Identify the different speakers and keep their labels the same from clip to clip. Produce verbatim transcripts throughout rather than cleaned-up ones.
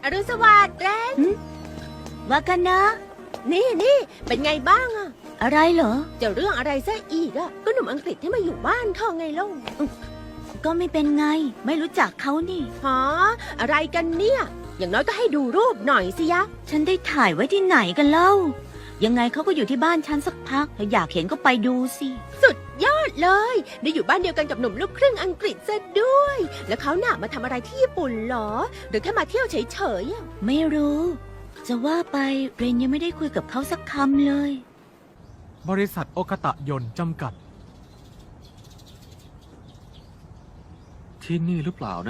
Speaker 1: อรุณสวัสดิ์แรน
Speaker 2: ว่ากันนะ
Speaker 1: นี่นี่เป็นไงบ้างอะ
Speaker 2: อะไรเหรอ
Speaker 1: จะเรื่องอะไรซะอีกอะก็หนุ่มอังกฤษที่มาอยู่บ้านเธอไงล่ะ
Speaker 2: ก็ไม่เป็นไง ไม่รู้จักเขานี่
Speaker 1: ฮะอะไรกันเนี่ย อย่างน้อยก็ให้ดูรูปหน่อยสิยะ
Speaker 2: ฉันได้ถ่ายไว้ที่ไหนกันเล่า ยังไงเขาก็อยู่ที่บ้านฉันสักพักถ้าอยากเห็นก็ไปดูสิ
Speaker 1: สุดยอดเลย ได้อยู่บ้านเดียวกันกับหนุ่มลูกครึ่งอังกฤษซะด้วย แล้วเขาหน่ามาทำอะไรที่ญี่ปุ่นเหรอ หรือแค่มาเที่ยวเฉยๆอะ
Speaker 2: ไม่รู้ จะว่าไปเรนยังไม่ได้คุยกับเขาสักคำเลย
Speaker 3: บริษัทโอกาตะยนต์จำกัด
Speaker 4: ที่นี่หรือเปล่านะ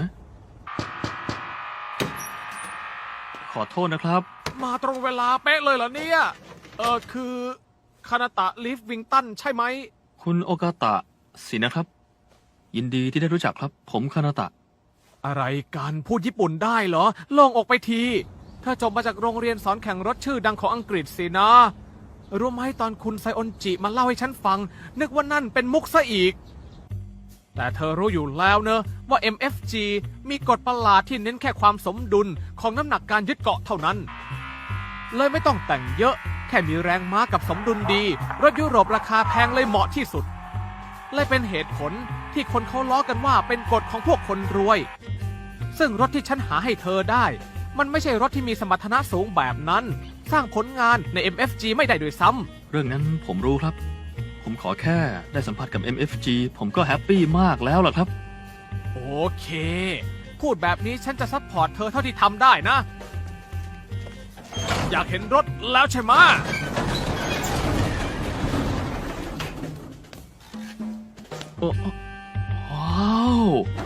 Speaker 4: ขอโทษนะครับ
Speaker 3: มาตรงเวลาเป๊ะเลยเหรอเนี่ย เออคือคานาตะลิฟวิงตันใช่ไหม
Speaker 4: คุณโอกาตะสินะครับ ยินดีที่ได้รู้จักครับ ผมคานาตะ
Speaker 3: อะไรกันพูดญี่ปุ่นได้เหรอโล่งอกไปที ถ้าจบมาจากโรงเรียนสอนแข่งรถชื่อดังของอังกฤษสินะ รู้ไหมตอนคุณไซออนจิมาเล่าให้ฉันฟัง นึกว่านั่นเป็นมุกซะอีก แต่เธอรู้อยู่แล้วเนอะว่า เอ็ม เอฟ จี มีกฎประหลาดที่เน้นแค่ความสมดุลของน้ำหนักการยึดเกาะเท่านั้น เลยไม่ต้องแต่งเยอะ แค่มีแรงม้ากับสมดุลดี รถยุโรปราคาแพงเลยเหมาะที่สุด เลยเป็นเหตุผลที่คนเขาล้อกันว่าเป็นกฎของพวกคนรวย ซึ่งรถที่ฉันหาให้เธอได้ มันไม่ใช่รถที่มีสมรรถนะสูงแบบนั้น สร้างผลงานใน เอ็ม เอฟ จี ไม่ได้ด้วยซ้ำ
Speaker 4: เรื่องนั้นผมรู้ครับ ผมขอแค่ได้สัมผัสกับ เอ็ม เอฟ จี ผมก็แฮปปี้มากแล้วล่ะครับ
Speaker 3: โอเค พูดแบบนี้ฉันจะซัพพอร์ตเธอเท่าที่ทำได้นะ อยากเห็นรถแล้วใช่ไหมะ
Speaker 4: โอ้ว้าว